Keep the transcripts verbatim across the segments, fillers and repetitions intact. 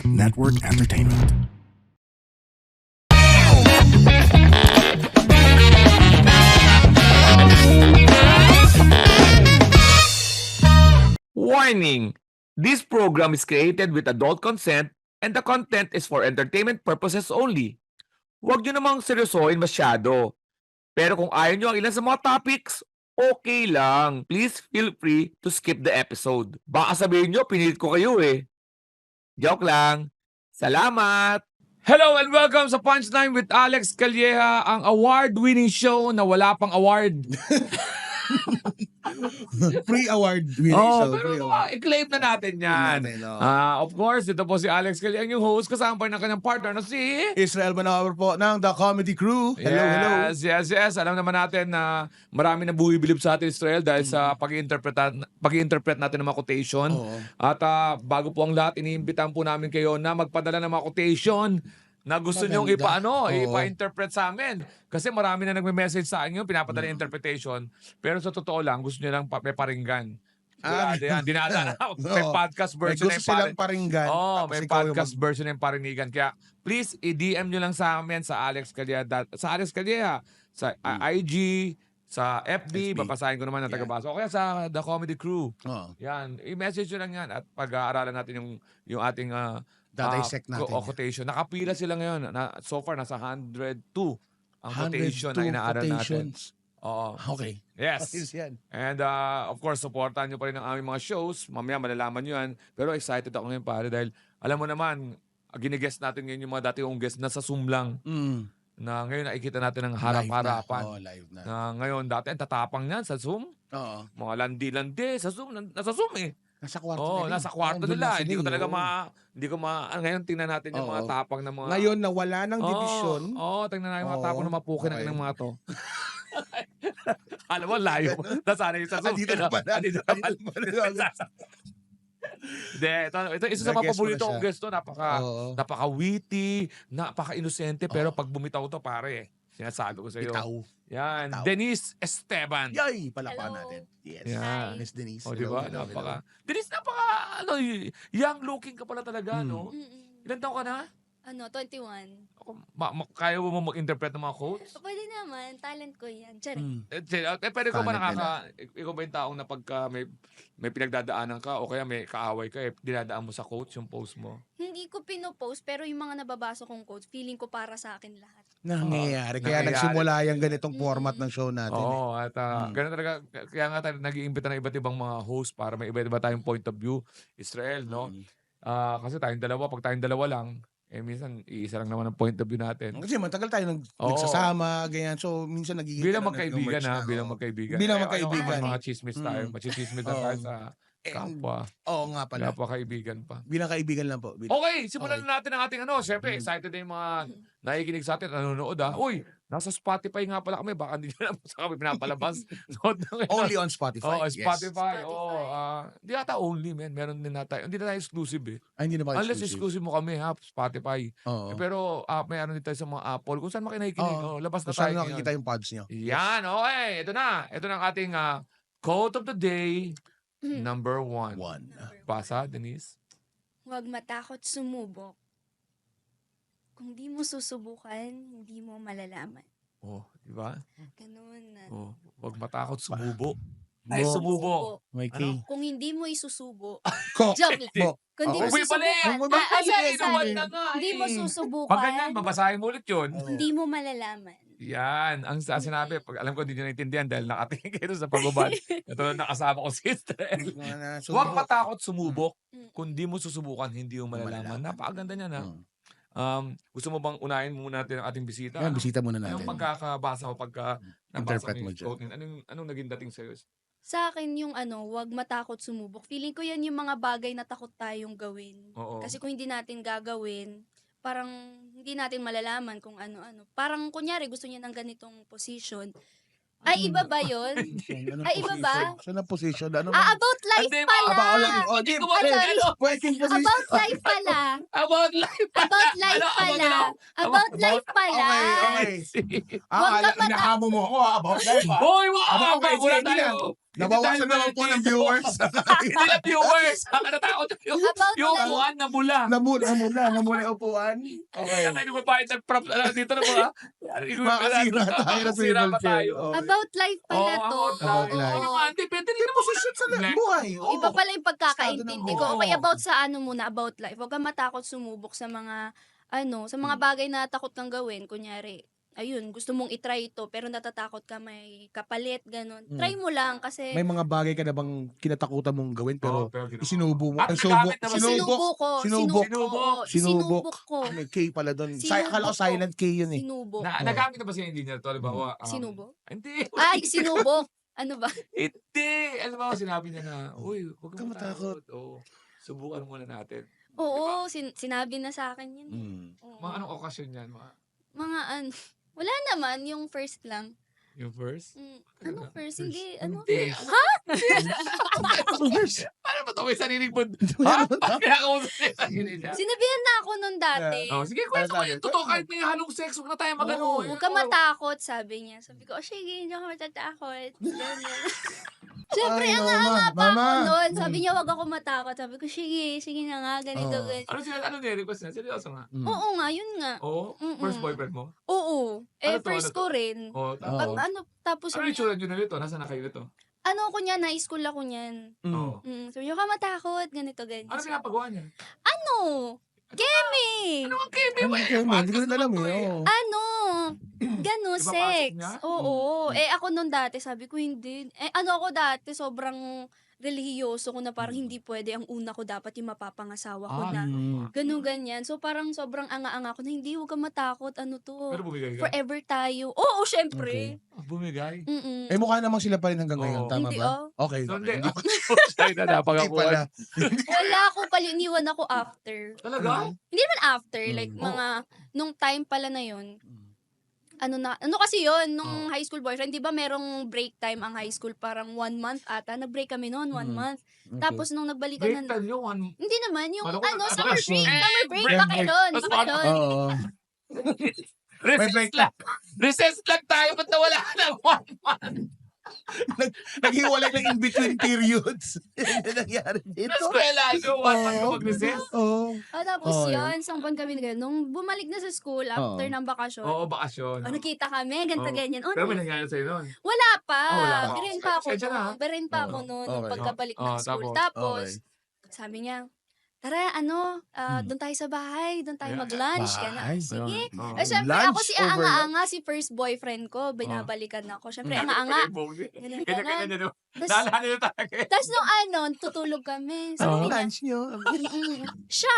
Network Entertainment. Warning! This program is created with adult consent and the content is for entertainment purposes only. Huwag nyo namang seryosohin masyado. Pero kung ayaw nyo ang ilan sa mga topics, okay lang. Please feel free to skip the episode. Baka sabihin nyo, pinilit ko kayo eh. Joke lang. Salamat! Hello and welcome sa Punchline with Alex Calleja, ang award-winning show na wala pang award. Pre-award winning Oh, show. pero Pre-award. i-claim na natin yan. natin, oh. Ah, of course, ito po si Alex Calleja, ang yung host, kasama pa rin ng kanyang partner na si... Israel Manawer po ng The Comedy Crew. Hello, hello. Yes, yes, yes. Alam naman natin na marami na buwibilib sa atin, Israel, dahil sa pag-i-interpret pag-i-interpret natin ng mga quotation. Oo. At ah, bago po ang lahat, iniimbitahan po namin kayo na magpadala ng mga quotation na gusto Maganda. nyong ipaano, Oo. ipa-interpret sa amin. Kasi marami na nagme-message sa akin yung pinapadala yung interpretation. Pero sa totoo lang, gusto nyo lang pa- may paringgan. Ah, Sigurado yan. Dinada na. May Oo. podcast May version gusto na yung silang pare- paringgan. Oh, tapos may ikaw yung podcast mag- version ng parinigan. Kaya please i-D M nyo lang sa amin sa Alex Calleja dat- sa Alex Calleja sa uh, I G, sa F B, F B. babasahin ko naman ng Yeah. tagabasa. O kaya sa The Comedy Crew. Oo. Yan, i-message nyo lang yan at pag-aaralan natin yung yung ating uh, Dadissect natin yan. quotation. Nakapila sila ngayon. Na, so far nasa one hundred two ang quotation na one hundred two inaaral natin. quotations. Oo. Okay. Yes. Ayos yan. And uh, of course, supportan nyo pa rin ang aming mga shows. Mamaya malalaman nyo yan. Pero excited ako ngayon pare dahil alam mo naman, ginigest natin ngayon yung mga dati kong guest na sa Zoom lang. Mm. Na ngayon nakikita natin ng Live harap-harapan. na. Oo, live na. Na ngayon dati ang tatapang niyan sa Zoom. Oo. Mga landi-landi sa Zoom. nan- Nasa Zoom eh. Nasa kwarto Oo, nila. nasa kwarto Nandun nila. na Hindi ko sila, talaga oo. ma... Hindi ko ma... ah, Ngayon tingnan natin yung mga Oo. tapang ng mga... Ngayon na wala ng Oo, division. Oo, tingnan natin yung mga Oo, tapang na mapukin okay. ng mga to. Alam mo, layo. Nasana yung sa Zoom. Andito na pala. Andito na pala. Andito na pala. Hindi, ito, ito, isa sa mga Nag-guess mo paborito na kong siya. guest to. Napaka, Oo. napaka-witty, napaka-inosente, pero Oo. pag bumitaw to, pare, sinasabi ko sa iyo. Bitaw. Yan, Bitaw. Denise Esteban. Yay! Palakpan Hello. natin. Yes. Yeah. Miss Denise. O, Hello, di ba? hello, Napaka, hello. Denise, napaka, ano, y- young looking ka pala talaga, Mm. no? Mm-mm. Ilan taon ka na? Ano, twenty-one. Ako, ma- ma- kaya mo mag-interpret ng mga quotes? Pwede naman, talent ko yan. Tsari. Mm. Eh, si- eh, pero ikaw ba Talent nakaka... Ikaw ba yung taong na pagka may, may pinagdadaanan ka o kaya may kaaway ka, eh, dinadaan mo sa quotes yung post mo? Hindi ko pinopost, pero yung mga nababasa kong quotes, feeling ko para sa akin lahat. Nangyayari. Kaya Nangyayari. nagsimula yung ganitong Mm. format ng show natin. eh. Oo, at uh, Mm. ganun talaga. Kaya nga tayo nag-iimbita ng iba't ibang mga host para may iba't iba tayong point of view. Israel, no? Mm. Ah, kasi tayong dalawa, pag tayong dalawa lang, eh minsan iisa lang naman ang point of view natin. Kasi matagal tayo nag Oo. nagsasama, ganyan. So, minsan nagiging... Bilang talaga magkaibigan nag-merge ha, na, bilang oo. magkaibigan. Bilang Eh, magkaibigan. Ano, mga chismis tayo, Mm. machismis na Oo. tayo sa Eh, kapwa. Oo nga pala. Napakaibigan pa. Bilang kaibigan lang po. Bilang... Okay, simulan Okay. na natin ang ating ano. Siyempre, Mm. excited na yung mga nakikinig sa atin, nanonood ha. Uy, nasa Spotify nga pala kami. Baka hindi nyo naman sa kami pinapalabas. Nood na ngayon. Only on Spotify. Oh, Yes. Spotify. Spotify. Oo, ah, hindi ata only, man. Meron din na tayo. Hindi na tayo exclusive eh. Ay, hindi na ba Unless exclusive? exclusive mo kami ha, Spotify. Oo. Eh, pero ah, may ano din tayo sa mga Apple. Kung saan makinakikinig, Oo. oh, labas na Kung tayo saan ngayon. nakikita yung pods nyo. Yan, okay. Ito na. Ito na ang ating ah, quote of the day, Mm. number one. One. Basa, Denise. Huwag matakot sumubok. Kung di mo susubukan, hindi mo malalaman. Oh, di ba? Ganun na. Oh, wag matakot sumubo. Bo. Ay, sumubo. May Ano? key. Kung hindi mo isusubo, Ko. joke lang. Bo. Kung di Okay. mo Uy, pala eh. susubukan, Uy, ah, ah, pala sorry, eh. sorry. na nga Hindi mo eh. susubukan, Pag ganyan, babasahin mo ulit yun. Oo. hindi mo malalaman. Yan. Ang sa sinabi, pag alam ko hindi nyo naintindihan dahil nakatingin kayo sa pagbabal. Ito na nakasama ko si Estrel. Huwag matakot sumubok. Mm. Kung di mo susubukan, hindi mo malalaman. Malalaman. Napakaganda niya na. Hmm. Um, gusto mo bang unahin muna natin ang ating bisita? Yan, bisita muna Anong natin. pagkakabasa mo pagka nabasa Interpret mo mo yung dyan. quote niya? Anong, anong naging dating sa'yo? Sa akin yung ano, huwag matakot sumubok. Feeling ko yan yung mga bagay na takot tayong gawin. Oo. Kasi kung hindi natin gagawin, parang hindi natin malalaman kung ano-ano. Parang kunyari gusto niya ng ganitong position. Ay, iba ba yun? Anong Ay, iba ba? position? Saan ang position? Ano Ah, about life Hindi, pala! Aba, oh, lang- oh, di, Hindi ko pwede- ano? pwedeng position. About life pala! About life! About life Ano, about pala! ano? About About- life pala! Okay, okay. Huwag Ah, ka ala- inahamo mo ako ah, about life ah. Hoy, wag! Aba, okay, Wala sige, hindi tayo! na. Nabawasan naman po ng viewers. Hindi na viewers. Nakakatakot yung, About yung life. upuan na bula. Namula, namula, namula yung upuan. Okay. Kaya tayo magpapahit ng prop na dito na mga. Makasira tayo ng Makasira table pa chair. tayo. Okay. About life Oo, pala ako, to. About Oo, life. naman. Hindi, pwede rin mo sushoot sa life. Buhay. oo. Iba pala yung pagkakaintindi ko. Oo. Okay, about sa ano muna, about life. Huwag kang matakot sumubok sa mga, ano, sa Hmm. mga bagay na takot kang gawin. Kunyari, ayun, gusto mong itry ito, pero natatakot ka may kapalit, ganun. Hmm. Try mo lang kasi May mga bagay ka na bang kinatakutan mong gawin pero Oo, pero ginawa. isinubo mo. Ah, Ang nagamit subok. na ba? Sinubok. sinubo ko. Sinubok. Sinubok. Sinubok. Sinubok ko. May K pala doon. Si, Sinubok akala ko ko. silent K yun eh. Sinubok. Na, nagamit na ba siya engineer to? Halimbawa, um, Sinubo? Hindi. Ay, sinubok. Ano ba? Hindi. Alam mo, sinabi niya na, uy, huwag kang Huwag kang matakot." matakot. Oo. Subukan muna natin. Oo, sin- sinabi na sa akin yun. Mm. Oo. Mga anong okasyon yan? Mga, Mga ano. Wala naman, yung first lang. yung first? Mm, ano first? Hindi, ano? Hindi. Paano ba ito? May sariling po. Ha? Kinakausap niya yung sarili niya. Sinabihan na ako nun dati. Oh, sige, kwento mo Ano yung sabi? totoo. Kahit may halong sex, huwag na tayo magano. Oo. Huwag ka matakot, sabi niya. Sabi ko, oh, sige, hindi ako matatakot. Ganyan. Siyempre, Ay, ang mama, anga pa mama. ako nun. Sabi niya, huwag ako matakot. Sabi ko, sige, sige na nga, ganito, Oo. ganito. Ano sila, ano niya, request niya? Seryoso nga. Mm. Oo nga, yun nga. Oo? Mm-mm. First boyfriend mo? Oo. Eh, Ano to, first ano to? ko rin. Oo. Oo. Tapos, Pag ano, tapos, ano yung tsura nyo na nito? Nasaan na kayo nito? ano ko niya, high school ako niyan. Mm. Oo. Mm, sabi niya, huwag ka matakot, ganito, ganito. Ano pinapagawa niya? Ano? Kemi! Ano ang keme? Ano ang keme? Hindi ko rin alam eh. oo. Ano? Gano, Ipapasok sex. niya? Oo. Mm. Eh, ako nung dati, sabi ko hindi. Eh, ano ako dati, sobrang relihiyoso ko na parang hindi pwede. Ang una ko dapat yung mapapangasawa ko Ah, na. Mm. Ganun, ganyan. So, parang sobrang anga-anga ko na hindi, huwag kang matakot. Ano to? Pero bumigay ka? Forever tayo. Oo, syempre. Ah, bumigay? Mm-mm. Eh mukha namang sila pa rin hanggang ngayon. Oo. Tama Hindi, ba? oh. Okay. So, hindi. Hindi Ako siya na Hindi napagakuan. pala. Wala ako pala, iniwan ako after. Talaga? Hindi naman after, like Mm. mga, nung time pala na yun, ano na, ano kasi yun, nung Oh. high school boyfriend, di ba merong break time ang high school, parang one month ata, nag-break kami noon, one Mm. month. Okay. Tapos nung nagbalikan Break na, time yun. one- hindi naman, yung Ano ko ano, na- summer ano, break, eh, summer break, break, baka break. doon, Tapos baka ano? doon. Oo. Recess lang. Recess lang tayo. Ba't nawala ka ng one month? Naghiwalay ng in-between periods. Yan ang nangyari Sa dito. eskwela, ito, one month ka Oo. mag-recess. Oo. Ah, tapos Oh, yun, isang buwan kami na nung bumalik na sa school, after Oo. ng bakasyon, Oo, bakasyon. oh, nakita kami, ganito, Oo. ganyan. Oh, Pero may nangyari sa'yo nun. wala pa. Ah, wala pa. Birin pa ako Pasensya na, ha? noon. Birin pa ako Oo. noon, Okay. nung pagkabalik Oo, ng school. tapos? Tapos, sabi niya, tara, ano, ah, Hmm. doon tayo sa bahay, doon tayo Yeah. mag-lunch. Bahay? Yan, sige. Oo. Eh, syempre, Lunch ako si over Anga-Anga, si first boyfriend ko, binabalikan ako. Syempre, Anga-Anga. Ganun, Kanya-kanya ganun. nyo. Tas- Naalala nyo talaga. eh. Tapos nung ano, tutulog kami. Sabi Ano niya, lunch nyo? "Mm-mm, siya.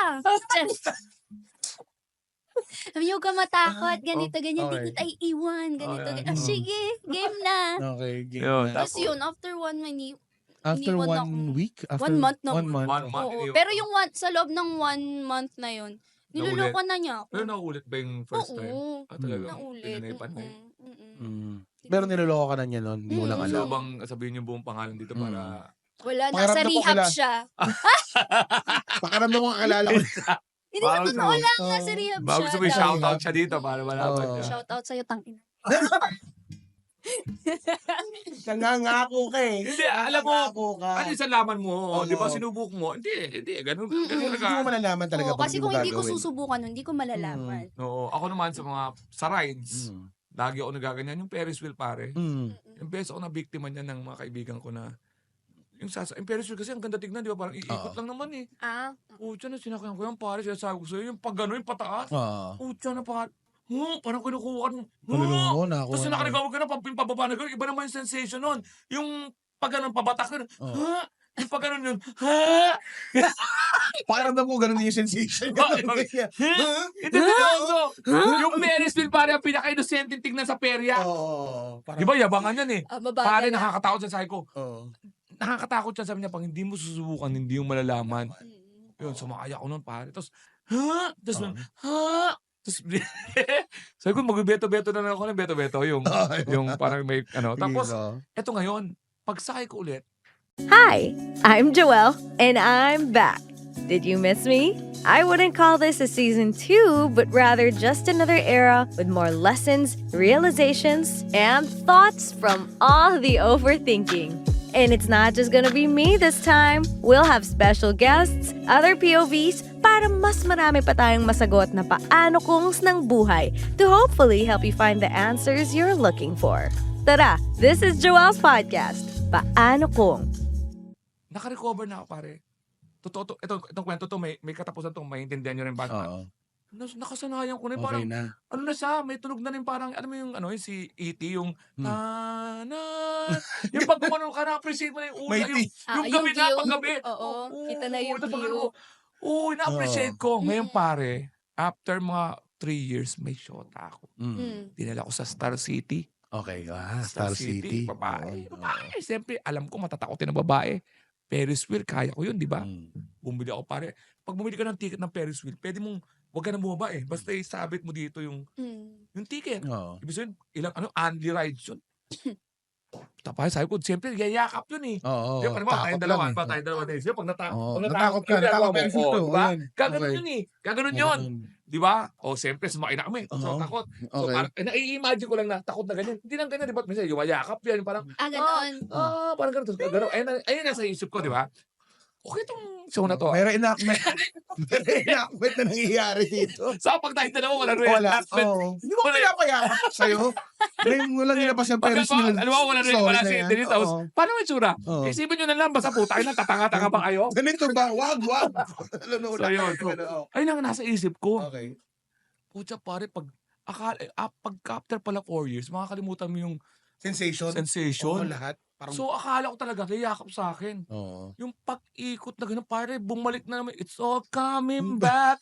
Sabi niya, huwag ka matakot, ganito, ganyan, okay. di kita iiwan, ganito, Oh, ganyan. Ah, yeah. sige, game na. Okay. game Yun, na. Tapos yun, after one minute, After iniwan one ako. week? After One month na. One month. One month. oo. iniwan Pero ko. yung one, sa loob ng one month na yun, niluloko na niya ako. Pero naulit ba yung first time? Oo, Ah, talaga? naulit. Pinanipan na yun. Mm-mm, mm-mm. Mm. Pero niloloko ka na niya noon. Hindi mo lang Mm. Gusto alam. ko bang sabihin yung buong pangalan dito Mm. para... Wala, Pakiramdam nasa ko rehab kila- siya. Pakaramdam mo kakilala ko. Hindi sa Bago totoo gusto- lang, Oo. nasa rehab Baka siya. gusto mo yung daw. shoutout siya dito para malaman Oo. niya. Shout out sa'yo, tangina. Nangangako ka eh. Hindi, alam mo, Nangangako ka. Ano yung salaman mo? Oo. Di ba sinubuk mo? Hindi, hindi. Ganun. Mm-mm. ganun Hindi mo ka. malalaman talaga Oo, pag kasi hindi mo kung hindi ko gagawin. susubukan nun, hindi ko malalaman. Oo. Ako naman sa mga sa rides, Mm. lagi ako nagaganyan. Yung Ferris wheel pare. Mm. Mm-mm. Yung beses ako na biktima niya ng mga kaibigan ko na yung sasa, yung Ferris wheel kasi ang ganda tignan, di ba? Parang iikot Oo. lang naman eh. Ah, Pucha na, sinakyan ko yan, pare. Sinasabi ko sa'yo, yung pag gano'n, yung pataas. Ah. Pucha na, pare. Huh, parang kinukuha ka. Kalulungo Huh! mo na ako. Tapos yung nakanagawag ka na, pag pababa na gano'n, iba naman yung sensation nun. Yung pag gano'n, pabatak ka na. Oo. Ha? Yung pag gano'n yun, ha? Pakiramdam ko ganun din yung sensation. Ganun Okay. din yan. Ha? Ito na Yung Ferris wheel, pare, ang pinaka-innocent tignan sa perya. Oo. Di ba, yabangan yan eh. ah mabagal Pare, na. nakakatakot sa sabi ko. Oo. Nakakatakot siya, sabi niya, pag hindi mo susubukan, hindi mo malalaman. Mm. Yun, sumakay ako nun, pare. Tapos, ha? Tapos, Oo. ha? Tapos, sabi ko, mag-beto-beto na lang ako ng beto-beto. Yung, yung parang may, ano. Tapos, eto ngayon, pagsakay ko ulit, Hi, I'm Joelle, and I'm back. Did you miss me? I wouldn't call this a season two, but rather just another era with more lessons, realizations, and thoughts from all the overthinking. And it's not just gonna be me this time. We'll have special guests, other P O Vs, para mas marami pa tayong masagot na paano kungs ng buhay to hopefully help you find the answers you're looking for. Tara, this is Joelle's podcast, Paano Kung. Naka-recover na ako, pare. Totoo to. Ito, itong kwento to, may, may katapusan to, maintindihan nyo rin ba? Oo. Nas- nakasanayan ko na, Okay parang, na. ano na siya, may tunog na rin parang, ano mo yung, ano, yung si E T, yung, Hmm. na, na, yung pag gumanon ka, na-appreciate mo na yung una, May yung, tea. Ah, yung gabi na, view. pag gabi. Oo, kita na yung tapos view. ano, Oo, na-appreciate ko. Ngayon, Mm. pare, after mga three years, may shota ako. Mm. Mm. Dinala ko sa Star City. Okay, ah, Star City. Babae. Oo, Babae. Siyempre, alam ko matatakotin ng babae. Ferris wheel, kaya ko yun, di ba? Mm. Bumili ako, pare. Pag bumili ka ng ticket ng Ferris wheel, pwede mong, huwag ka na bumaba eh. Basta isabit mo dito yung, Mm. yung ticket. Oo. Ibig sabihin, ilang, ano, only rides yun. Tapos sabi ko, siyempre, yayakap yun eh. Oo. Di ba, parang tayong dalawa, lang eh. pa tayong dalawa din. Di ba, pag nata- Oo. pag Natakot ka, yun, natakot ginagawa mo. Ferris wheel Oo, to. di ba? Ayan. Gaganon Okay. yun eh. Gaganon yun. Di ba? O, siyempre, sumakay na kami. So, Oo. takot. So, Okay. parang, eh, nai-imagine ko lang na takot na ganyan. Hindi lang ganyan, di ba? Minsan, yung mayakap yan. Parang, Ah, ganon. ah, parang ganun. Tapos, ganun. Ayun, na- ayun nasa isip ko, di ba? Okay itong show na to. Mayroon enactment. Mayroon enactment na nangyayari dito. Sa pag tayo dalawa, wala rin. Wala. Oo. Hindi mo pinapayakap sa'yo. Ngayon mo lang nilabas yung Ferris wheel. Alam mo, wala rin Sorry wala na si yan. Denise. Tapos, Oo. paano may tsura? Oo. Isipin nyo na lang, basta puta, na tatanga-tanga pa kayo. Ganito ba? Wag, wag. Ano, So, yun. Oo. Ayun ang nasa isip ko. Okay. Pucha, pare, pag, akala, eh, ah, pag after pala four years, makakalimutan mo yung Sensation. Oo, sensation. lahat. Parang, So, akala ko talaga, yayakap sa akin. oo. Yung pag-ikot na gano'n, pare, bumalik na naman. It's all coming back.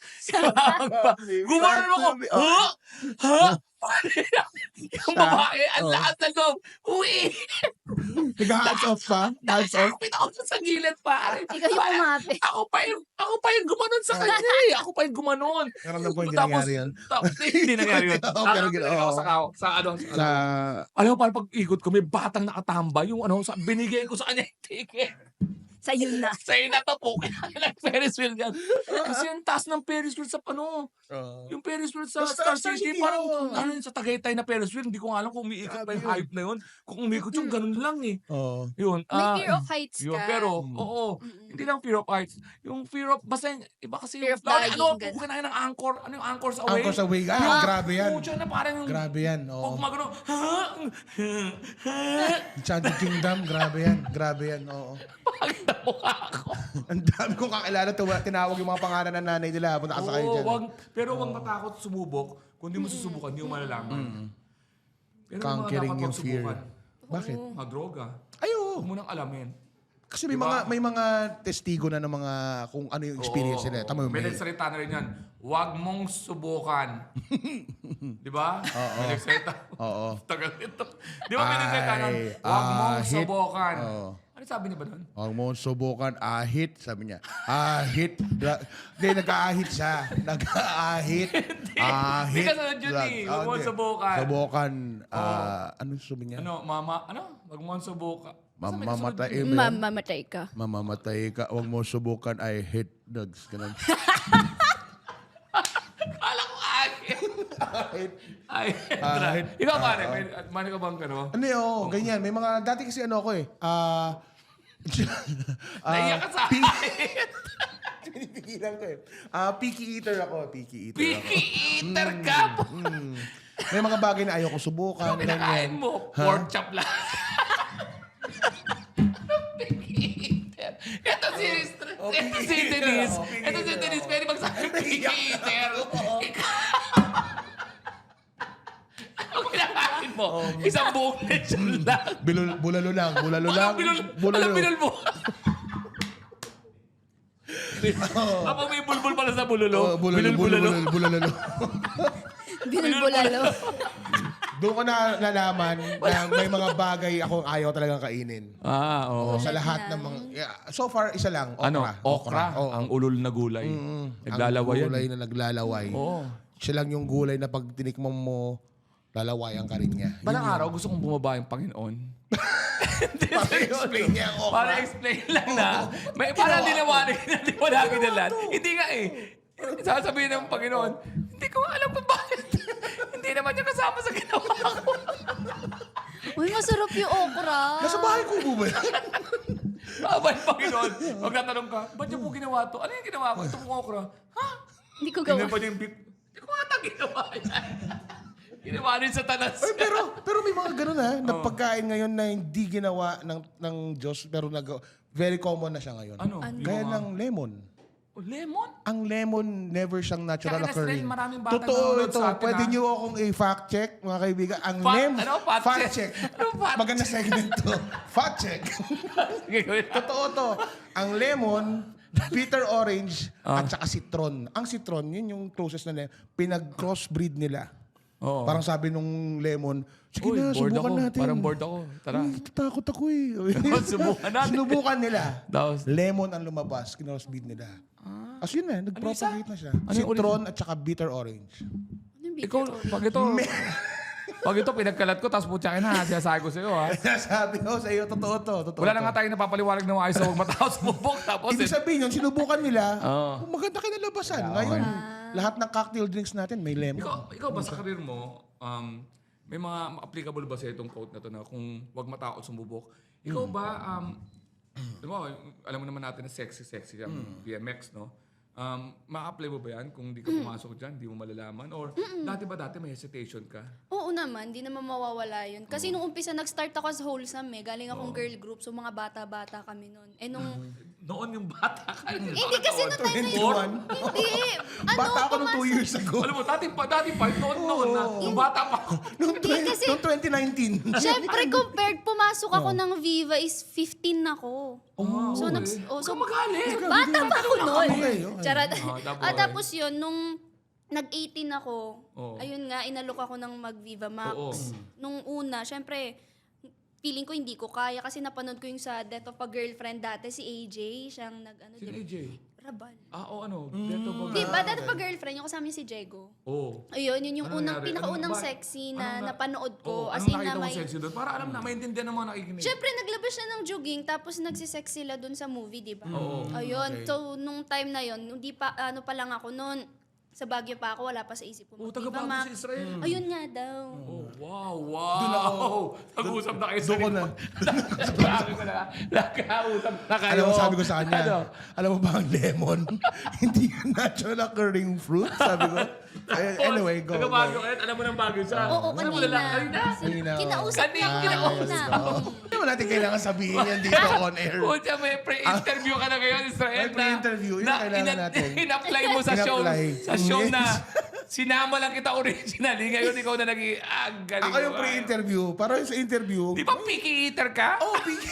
Gumanon ako. Ha? Ha? Yung babae, ang Oh. lakas na loob. Uwi! Nag-hands off pa? Hands off? Nakakapit ako sa gilid, pare. Ikaw yung umapit. Ako pa yung, ako pa yung gumanon sa kanya eh. Ako pa yung gumanon. Meron na po hindi Tapos- nangyari yan. Tapos, hindi nangyari yun. Oo, pero gina- Nakakapit ako oo. sa, kao- sa ano, sa, Sa... ano. Alam mo, parang pag-ikot ko, may batang nakatamba. Yung ano, sa, binigay ko sa kanya yung ticket. Sa'yo na. Sa'yo na to po. Kailangan ng Ferris wheel yan. Kasi yung taas ng Ferris wheel sa ano, Oo. yung Ferris wheel sa Sa Star Star City, City, parang oo. ano yun, sa Tagaytay na Ferris wheel, hindi ko nga alam kung umiikot pa yung Grabe yun. hype na yun. Kung umikot yung ganun lang eh. Oo. Yun. May ah, fear of heights yun, ka. pero, Mm. oo. Mm-mm. Hindi lang fear of heights. Yung fear of, basta yung, iba kasi Fear of lalo, dying, ano, ganun. kung kinain ng anchor, ano yung anchors away? Anchors away. Ah, Yung- grabe yan. Pucha na parang yung, Grabe yan. pag Oo. magano, ha? Ha? Enchanted Kingdom. Grabe yan. Grabe yan. Oo. Pagod na mukha ako. Ang dami kong kakilala. Tuwa- Tinawag yung mga pangalan ng nanay nila. Punta ka sa kayo Oo, dyan. wag, pero wag matakot sumubok. Kung di mo susubukan, di mo malalaman. Pero yung mga Conquering dapat yung wag fear. subukan, Bakit? mga droga. Ay, oo. Huwag mo nang alamin. Kasi may Diba? mga may mga testigo na ng mga kung ano yung experience Oo, nila. oo. Tama mo, May may. nagsalita na rin yan. Huwag mong subukan. Di ba? Oo. May nagsalita. Oo. Tagal nito. Di ba may nagsalita nun? Ay, Huwag mong ahit. subukan. Oo. Ano sabi niya ba doon? Huwag mo subukan, ahit, sabi niya. Ahit. Dra- Hindi, nag-aahit siya. Nag-aahit. Ahit. Hindi ka sunod yun drug- eh. Ah, Huwag mo hindi. subukan. Subukan. ah, ano sabi niya? Ano, mama, ano? Huwag mong subukan. Basta may Mamamatay. kasunod yun. eh, ba yun? Mamamatay ka. Mamamatay ka. Huwag mo subukan, I hate drugs. Ganun. Kala ko ahit. Ahit. Ay, Ahit. Ikaw pare, Oo. may, mani ka bang ano? Ano yun? Ganyan. May mga, dati kasi ano ako eh. Ah... ah, Naiyak ka sa pi- ahit. Pinipigilan ko eh. Ah, picky eater ako. Picky eater ako. Picky eater ka po. Mm. May mga bagay na ayoko subukan. Pinakain ganyan. mo, Ha? pork chop lang. Picky eater. Ito si, Oh, ito picky si eater Denise. ako, picky Ito si eater Denise. ako. Pwede magsabi picky eater. Ikaw. Ano kinakain mo? Isang buong lechon lang. Bilul, bulalo lang. Bulalo lang. Walang binul, Bulalo. walang binul mo. Kapag may bulbul pala sa bululo, Oh, bulalo, binul bulalo, bulalo. bulalo. Binulbulalo. Doon ko na nalaman na may mga bagay akong ayaw talagang kainin. Ah, oo. Sa lahat ng mga... yeah, so far, isa lang. Okra. Ano? Okra. Oo. Ang ulol na gulay. Mm, Naglalaway ang yan. gulay na naglalaway. Oo. Siya lang yung gulay na pag tinikman mo, lalawayan ka rin niya. Balang araw, gusto kong bumaba yung Panginoon. Para explain niya ang okra. Para explain lang na. May para dinawanig na di mo namin na lahat. Hindi nga eh. Sasabihin ng Panginoon, hindi ko alam kung bakit. Hindi naman niya kasama sa ginawa ko. Uy, masarap yung okra. Nasa bahay ko po ba? Abay, Panginoon. Magtatanong ka, ba't niyo po ginawa to? Ano yung ginawa ko? Ito pong okra. Ha? Hindi ko Tingnan gawa. pa niya yung beef. Hindi ko ata ginawa yan. Ginawa rin sa tanas. Ay, pero pero may mga ganun ha, na pagkain ngayon na hindi ginawa ng ng Diyos pero nag very common na siya ngayon. Ano? Gaya Yung mga- ng lemon. Oh, lemon? Ang lemon never siyang natural Kaya occurring. Nestle, maraming batang Totoo nanonood ito. sa atin, Pwede ha? niyo akong i-fact check, mga kaibigan. Ang Fact- lem ano? Fact check? Ano fact Maganda segment to. Fact check. Sige, gawin. Totoo to. Ang lemon, bitter orange, Ah. at saka citron. Ang citron, yun yung closest na lemon. Pinag-crossbreed nila. Oo. Parang sabi nung lemon, sige Uy, na, bored subukan ako. natin. Parang bored ako. Tara. Uy, takot ako eh. Subukan natin. Sinubukan nila. Tapos? Lemon ang lumabas, kinosbreed nila. As yun na, nag-propagate na siya. Ano yung Citron at saka bitter orange. Ano yung Ikaw, bitter pag ito, pag ito pinagkalat ko, tapos putyakin na, sinasabi ko sa'yo, ha? Sabi ko sa iyo, totoo to. Totoo Wala to. na nga tayong napapaliwanag na maayos sa huwag matapos bubok. Tapos, Ibig eh, sabihin yun, sinubukan nila, Oo. maganda kinalabasan. Ngayon, lahat ng cocktail drinks natin may lemon. ikaw, ikaw ba sa karir mo, um, may mga applicable ba sa itong quote na to na kung huwag matakot sumubok? Ikaw ba, um, alam mo, alam mo naman natin na sexy-sexy ang B M X, no? Um, ma-apply mo ba yan kung di ka pumasok dyan, di mo malalaman? Or dati ba dati may hesitation ka? Oo naman, di naman mawawala yun. Kasi nung umpisa, nag-start ako as wholesome eh. Galing akong girl group, so mga bata-bata kami nun. Eh nung... Noon yung bata ka. Hindi kasi nung time na yun. twenty-one. Hindi. Ano, Bata ako nung two pumasok- years ago. Alam mo, dati pa, dati pa, noon, noon na, nung bata pa ako. Noong Hindi kasi- noong twenty nineteen. Siyempre, compared, pumasok ako ng Viva is fifteen ako. Oh, So, okay. nags, oh, so Huwag ka magalit. bata pa ako nun. Okay, okay. Charot. Ah, tapos? Ah, tapos yun, nung nag-eighteen ako, Oo. ayun nga, inalok ako ng mag-Viva Max. Oo. Nung una, syempre, feeling ko hindi ko kaya kasi napanood ko yung sa Death of a Girlfriend dati, si A J, siyang nag, ano, Sino di- A J? Rabal. Ah, o ano? Deto ba? Di ba, Death of a Girlfriend, yung kasama niya si Jego. Oo. Ayun, yun yung Ano unang, nangyari? pinakaunang Ano ba- sexy ano na na- napanood Oo, ko. As anong in nakita na mo may... sexy doon? Para alam na, maintindihan ng mga nakikinig. Siyempre, naglabas siya ng jogging, tapos nagsisex sila dun sa movie, di ba? Oo. Ayun, so nung time na yun, hindi pa, ano pa lang ako noon, sa Baguio pa ako, wala pa sa isip ko. Oo, mag-Viva taga-Baguio Max. si Israel. Ayun nga daw. Oh, wow, wow. Nag-usap na kayo sa Doon ko na. Sabi ko na, nakausap na kayo. Alam mo, sabi ko sa kanya, Ano? alam mo ba ang lemon? Hindi yan natural occurring fruit, sabi ko. Ay, anyway, go. Taga-Baguio go. kayo, alam mo ng Baguio siya. Oo, Saan mo kanina. lala- Kanina? Kanina, oo. Kinausap Kanina, na kinausap. kanina. Hindi mo natin kailangan sabihin yan dito on air. Pucha, may pre-interview ka na ngayon, Israel. May pre-interview, yun ang kailangan natin. In-apply mo sa show, In-apply. sa show na sinama lang kita originally. Ngayon, ikaw na naging, ah, galing Ako yung mo. pre-interview. Para sa interview, Di ba picky eater ka? oh, picky.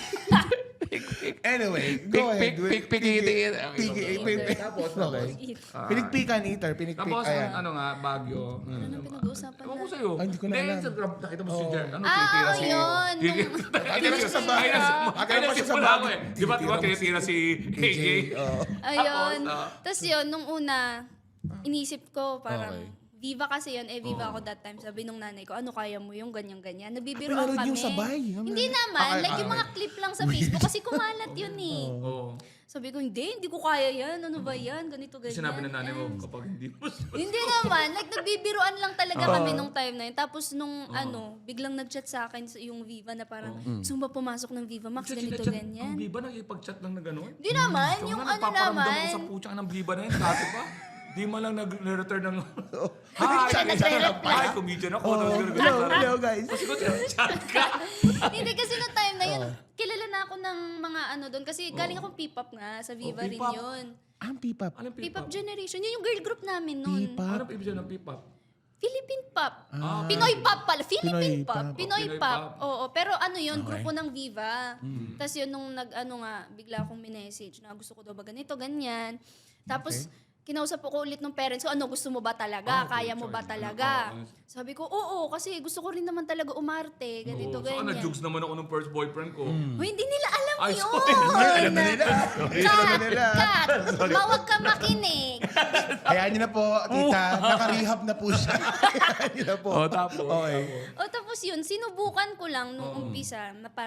Anyway, Pick, go ahead. pick, pick, pick, Picky- eater. Picky, pick- pick- Tapos, okay. Pinikpikan eater, pinikpik. Tapos, Ayan. ano nga, Baguio. Ano pinag-uusapan Ewan ko na? sa'yo. Ah, hindi ko na alam. sa grab, nakita mo si Jer. Ano, Ah, tinitira oo, si... yun. Tinitira siya sa bahay. Ay, nasi- Akala ay, pa siya sa nasimula bahay. ako eh. Di ba, di ba, tinitira si A J? Oo. Ayun. Tapos, ah. Tapos yun, nung una, inisip ko parang, Okay. Viva kasi yun, eh Viva ako that time. Sabi nung nanay ko, ano kaya mo yung ganyan-ganyan? Nagbibiroan pinanood kami. niyo sabay? Hindi naman. Okay, like yung okay. mga clip lang sa Facebook kasi kumalat yun eh. Oo. Sabi ko, hindi, hindi ko kaya yan. Ano ba yan? Ganito, ganyan. Sinabi ng nanay mo, kapag hindi mo... Hindi naman. Like, nagbibiroan lang talaga kami nung time na yun. Tapos nung ano, biglang nag-chat sa akin sa- yung Viva na parang, gusto mo ba pumasok ng Viva Max? Ganito, Ang ganyan. Biba, nag-ipag-chat lang na gano'n? Hindi naman. Yung ano Nagpaparamdam naman. ako sa putsang ng Biba na yun, dati pa. Di man lang nag-return ng... Hi, nagre-reply. Hi, comedian ako. Tapos ganun, Hello, ganun. hello guys. Tapos ko, chat ka. Hindi kasi nung time na yun, kilala na ako ng mga ano doon. Kasi galing akong P-pop nga. Sa Viva Oh, rin P-pop. yun. Ang pipap. Anong P-pop P-pop? generation. Yun yung girl group namin noon. P-pop. Anong ibig sabihin ng P-pop? Philippine pop. Ah. Pinoy pop pala. Pinoy Philippine pop. pop. Pinoy Pinoy pop. pop. Oo. Pero ano yun, Okay. grupo ng Viva. Tapos yun, nung nag-ano nga, bigla akong minessage na gusto ko daw ba ganito, ganyan. Tapos, kinausap ko ulit ng parents ko, ano, gusto mo ba talaga? Ah, Kaya good mo ba choice. talaga? Oo. Sabi ko, oo, kasi gusto ko rin naman talaga umarte. Ganito, Oo. Saka ganyan. na-jugs naman ako ng first boyfriend ko. Hoy, hindi nila alam Ay, yun. sorry. Alam na nila. Kat, kat, mawag ka makinig. Hayaan niyo na po, tita. Nakarehab na po siya. Hayaan niyo na po. Oh, tapos. Okay. O tapos yun, sinubukan ko lang nung umpisa na parang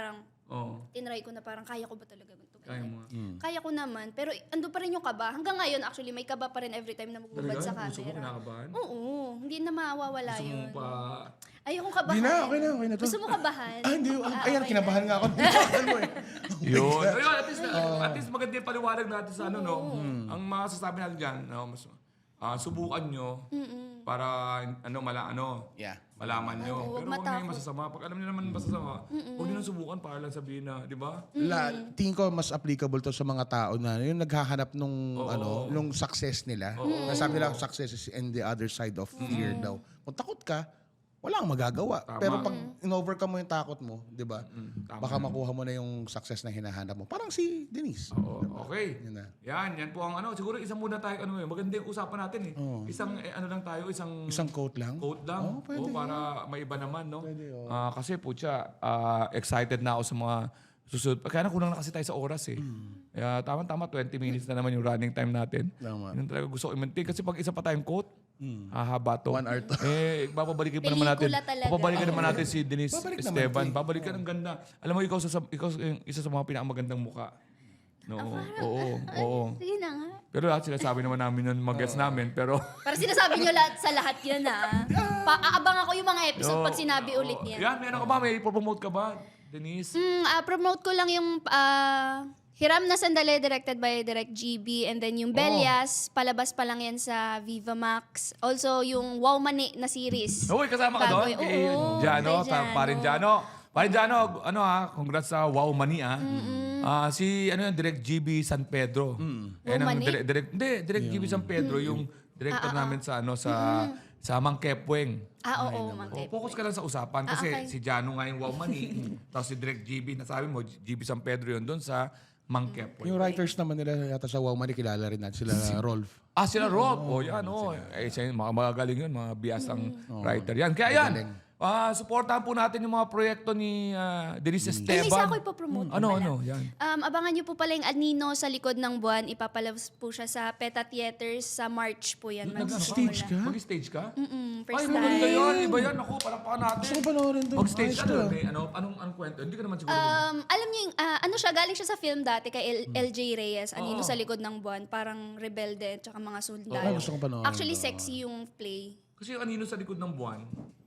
Oo. tinry ko na parang kaya ko ba talaga ito? Kaya mo. nga. Kaya ko naman, pero ando pa rin yung kaba. Hanggang ngayon, actually, may kaba pa rin every time na magbubad sa Talaga? Gusto mo camera. kinakabahan? Oo, hindi na mawawala Gusto mo yun. pa... Ayokong kabahan. Di na, okay na, okay na to. Gusto mo kabahan? Ah, hindi. Ah, Ayan, okay kinabahan na. nga ako. Kinabahan mo eh. Yun. Ayun, at least, at least maganda yung paliwanag natin sa ano, no? Ang masasabi natin dyan, no, mas, ah, subukan nyo para ano, mala, ano, Yeah. malaman nyo. Oo, Pero huwag matakot. nyo yung masasama. Pag alam nyo naman masasama, huwag nyo nang subukan para lang sabihin na, di ba? La, tingin ko mas applicable to sa mga tao na yung naghahanap nung Oo. ano, nung success nila. Nasabi nila success is in the other side of fear daw. Kung takot ka, wala kang magagawa. Tama. Pero pag in-overcome mo yung takot mo, 'di ba? tama Baka makuha mo na yung success na hinahanap mo. Parang si Denise. Oo, okay. Yun na. Yan, yan po ang ano. Siguro isang muna tayo, ano yun, maganda yung usapan natin eh. Isang, eh, ano lang tayo, isang... Isang quote lang. Quote lang. Oo, pwede Oo, para may iba naman, no? Pwede, oo. Ah, kasi po siya, ah, excited na ako sa mga susunod. Kaya na kulang na kasi tayo sa oras eh. Kaya tama-tama, twenty minutes na naman yung running time natin. Tama. Yun talaga gusto ko i-maintain. Kasi pag isa pa tayong quote, hahaba to. One hour to. Eh, babalikin pa naman natin. Pelikula talaga. Babalikan naman natin si Denise Babalik naman, Esteban. Kay. Babalikan ang ganda. Alam mo, ikaw, sa, ikaw yung isa sa mga pinakamagandang muka. No, oo, oo. Sige na nga. Pero lahat sinasabi naman namin nun mag-guess namin. Pero, Para sinasabi nyo lahat sa lahat yan ah. Pa-aabang ako yung mga episode pag sinabi ulit Oo. yan. Yan, meron ka ba? May promote ka ba, Denise? Mm, ah, promote ko lang yung ah, Hiram na Sandali, directed by Direct G B. And then yung Belyas, palabas pa lang yan sa Viva Max. Also, yung Wow Mani na series. Uy, kasama ka doon? Bago- Kay oo, Jano, kay ta- Jano. parin Jano. Parin Jano, ano ha, congrats sa Wow Mani ah. Ah, si ano yung Direct G B San Pedro. Eh, Wow ang Mani? direct, direct, hindi, Direct G B San Pedro, yung director namin sa ano sa sa Mang Kepweng. Ah, oo, Mang Oh, Kep. focus ka lang sa usapan kasi Ah, okay. si Jano nga yung Wow Mani, tapos si Direct G B, nasabi mo, G B San Pedro yun doon sa Mang Kepweng. Yung writers naman nila yata sa Wow Money, kilala rin natin sila Rolf. Ah, sila Rob. Oh, yan, oh. Eh, siya, mga magagaling yun, mga biyasang writer yan. Kaya yan, ah supportahan po natin yung mga proyekto ni ah, Denise Eh, may isa Esteban. ako ipopromote ko Ano, pala. ano, yan. Um, abangan niyo po pala yung Anino sa likod ng buwan. Ipapalabas po siya sa Peta Theaters sa March po yan. Nag-stage ka? Mag-stage ka? Mm, Ay, first maganda time. yan. Iba yan. Ako, palakpakan natin. Gusto ko panoorin doon. Mag-stage Ayos ka to, doon. ah. May ano, anong, anong kwento? Hindi ka naman siguro. Um, alam niyo yung, ah, ano siya, galing siya sa film dati kay L- Hmm. L J Reyes, Anino sa likod ng buwan, parang rebelde, tsaka mga Ay, sundalo. gusto ko panoorin. Actually, to. sexy yung play. Kasi yung anino sa likod ng buwan,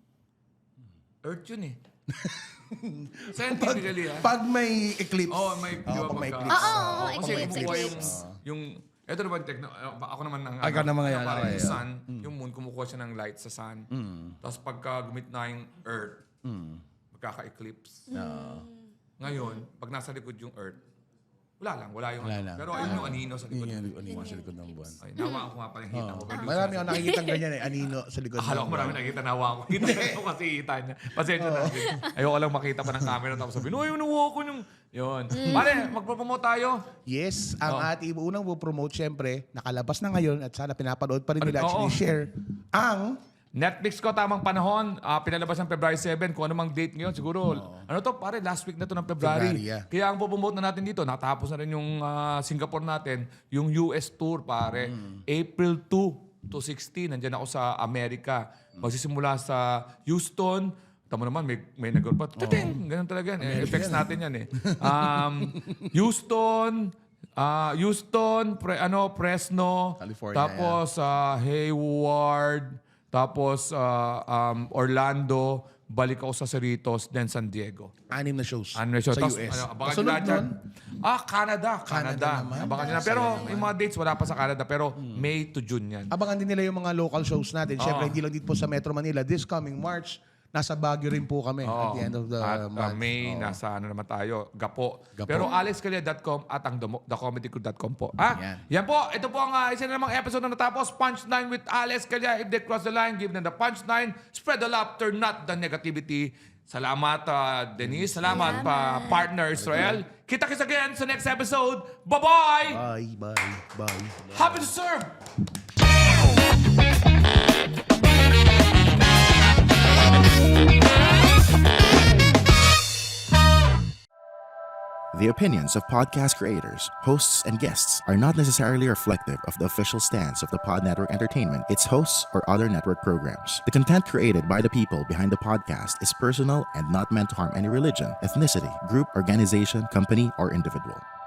Earth yun eh. Scientifically, ah. Pag may eclipse. Oo, may, di Oo, ba, pag may pagka- eclipse. Oo, oo, Oo, kasi eclipse, kumukuha yung, eclipse. yung, ito naman, techno, uh, ako naman ang, Ay, ikaw naman ngayon, parang okay, yung yeah. sun, yung moon, kumukuha siya ng light sa sun. Tapos pagka gumit na yung earth, magkaka-eclipse. Ngayon, pag nasa likod yung earth, wala lang, wala yung Wala ano. lang. Pero ayun yung anino sa likod. Yun ng yung anino sa likod ng buwan. Ay, nawa ako nga pala yung hita ko. Pero Marami ako nakikita ganyan eh. Anino sa likod akala ko marami nakikita nawa ako. Kita ko kasi hita niya. Pasensya na. Ayoko lang makita pa ng camera tapos sabihin, uy, nawa ko yung... Yun. Pare, magpropromote tayo. Yes, ang Oh. ating unang promote syempre, nakalabas na ngayon at sana pinapanood pa rin nila Oo. actually share ang Netflix ko tamang panahon, ah, pinalabas ng February seven, kung ano mang date ngayon, siguro, ano to, pare, last week na to ng February. February, yeah. Kaya ang pupromote na natin dito, natapos na rin yung ah, Singapore natin, yung U S tour, pare. April two to sixteen, nandyan ako sa Amerika. Magsisimula sa Houston, tamo naman, may, may nag pa, tating, ganun talaga yan. Eh, effects natin yan eh. Um, Houston, ah, Houston, pre, ano, Fresno, California, tapos ah, Hayward, tapos ah, um, Orlando, balik ako sa Cerritos, then San Diego. anim na shows Ano na siya? sa Tapos, U S. ano, abangan nyo Kasunod lahat yan. nun, Ah, Canada. Canada. Canada naman. Abangan nyo na. Pero yung mga dates, wala pa sa Canada. Pero May to June yan. abangan din nila yung mga local shows natin. Syempre, Oo. hindi lang dito po sa Metro Manila. This coming March, nasa Baguio rin po kami at the end of the At uh, month. May, Oo. nasa ano naman tayo, Gapo. Gapo. Pero alex calya dot com at ang the comedy crew dot com po. Ah, Yan. yan po. Ito po ang uh, isa na namang episode na natapos. Punchline with Alex Calya. If they cross the line, give them the punchline. Spread the laughter, not the negativity. Salamat, uh, Denise. Salamat, pa partner Israel. Kita-kits again sa next episode. Bye-bye! Bye, bye, bye. Happy to serve! The opinions of podcast creators, hosts, and guests are not necessarily reflective of the official stance of the Pod Network Entertainment, its hosts, or other network programs. The content created by the people behind the podcast is personal and not meant to harm any religion, ethnicity, group, organization, company, or individual.